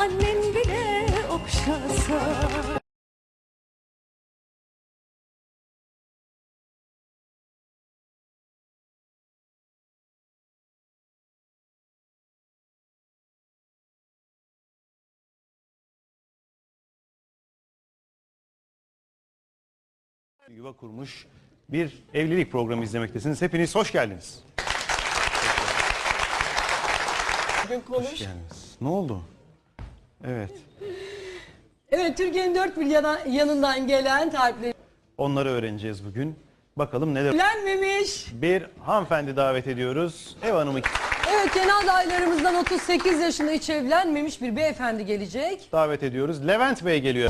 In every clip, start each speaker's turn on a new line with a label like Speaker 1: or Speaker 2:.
Speaker 1: annen bile okşasa.
Speaker 2: Yuva kurmuş bir evlilik programı izlemektesiniz. Hepiniz hoş geldiniz. Hoş geldiniz. Ne oldu? Evet.
Speaker 3: Evet, Türkiye'nin dört bir yanından gelen talipleri
Speaker 2: Onları öğreneceğiz bugün. Bakalım neler...
Speaker 3: evlenmemiş.
Speaker 2: Bir hanımefendi davet ediyoruz. Ev hanımı
Speaker 3: Evet, genel adaylarımızdan 38 yaşında hiç evlenmemiş bir beyefendi gelecek.
Speaker 2: davet ediyoruz. Levent Bey geliyor.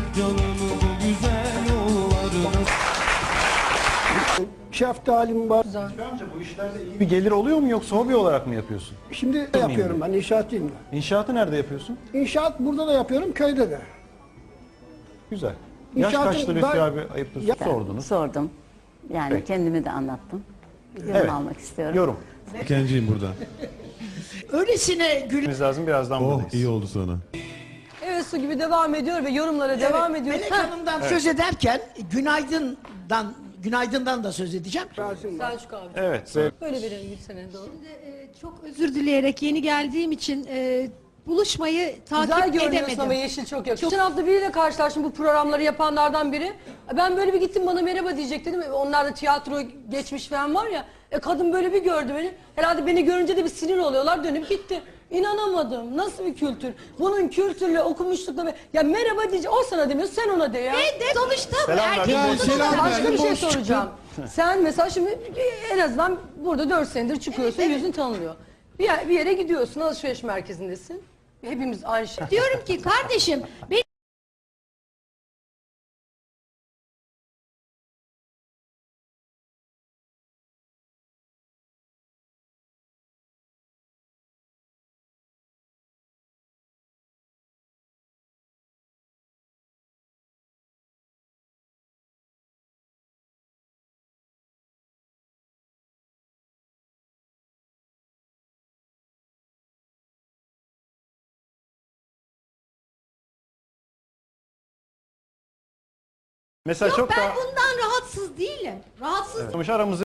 Speaker 4: Şeftalim var.
Speaker 2: Amca bu işlerde iyi bir gelir oluyor mu yoksa hobi olarak mı yapıyorsun?
Speaker 4: Şimdi yapıyorum ben, inşaatçıyım ben.
Speaker 2: İnşaatı nerede yapıyorsun?
Speaker 4: İnşaat burada da yapıyorum, köyde de.
Speaker 2: Güzel. Yaş
Speaker 4: İnşaatın
Speaker 2: kaçtı Lütfi
Speaker 4: ben-
Speaker 2: abi? Ayıptır. Sordunuz.
Speaker 5: Sordum. Yani
Speaker 2: Peki.
Speaker 5: kendimi de anlattım. Yorum
Speaker 2: Evet.
Speaker 5: almak istiyorum.
Speaker 2: Yorum.
Speaker 6: Kenciyim burada.
Speaker 7: Öylesine gül.
Speaker 2: Biz lazım birazdan
Speaker 6: Oh
Speaker 2: buradayız.
Speaker 6: iyi oldu sana.
Speaker 3: Evet, su gibi devam ediyor ve yorumlara devam ediyor.
Speaker 7: Melek
Speaker 3: Heh,
Speaker 7: Hanım'dan söz ederken günaydın'dan da söz edeceğim.
Speaker 3: Selçuk abi.
Speaker 2: Evet.
Speaker 3: Böyle verelim Gülsen'e doğru.
Speaker 8: Çok özür dileyerek yeni geldiğim için buluşmayı takip
Speaker 3: Güzel görünüyorsun
Speaker 8: edemedim.
Speaker 3: ama yeşil çok yakışıyor. Geçen hafta biriyle karşılaştım, bu programları yapanlardan biri. Ben böyle bir gittim, bana merhaba diyecek dedim. Onlar da tiyatro geçmiş falan var ya. Kadın böyle bir gördü beni. Herhalde beni görünce de bir sinir oluyorlar, dönüp gitti. İnanamadım. Nasıl bir kültür? Bunun kültürle, okumuşlukla... Ya merhaba diyecek. O sana demiyor, sen ona de ya.
Speaker 8: Sonuçta bu
Speaker 2: Selam
Speaker 8: erkek
Speaker 2: verdim.
Speaker 8: olduğuna
Speaker 6: selam
Speaker 8: da
Speaker 3: Başka bir şey soracağım. Sen mesela şimdi en azından burada 4 senedir çıkıyorsun, yüzün tanınıyor. Bir yere gidiyorsun, alışveriş merkezindesin. Hepimiz aynı şey.
Speaker 8: diyorum ki kardeşim benim
Speaker 2: Mesela çok
Speaker 8: ben
Speaker 2: daha...
Speaker 8: bundan rahatsız değilim. Rahatsız
Speaker 2: Aramızı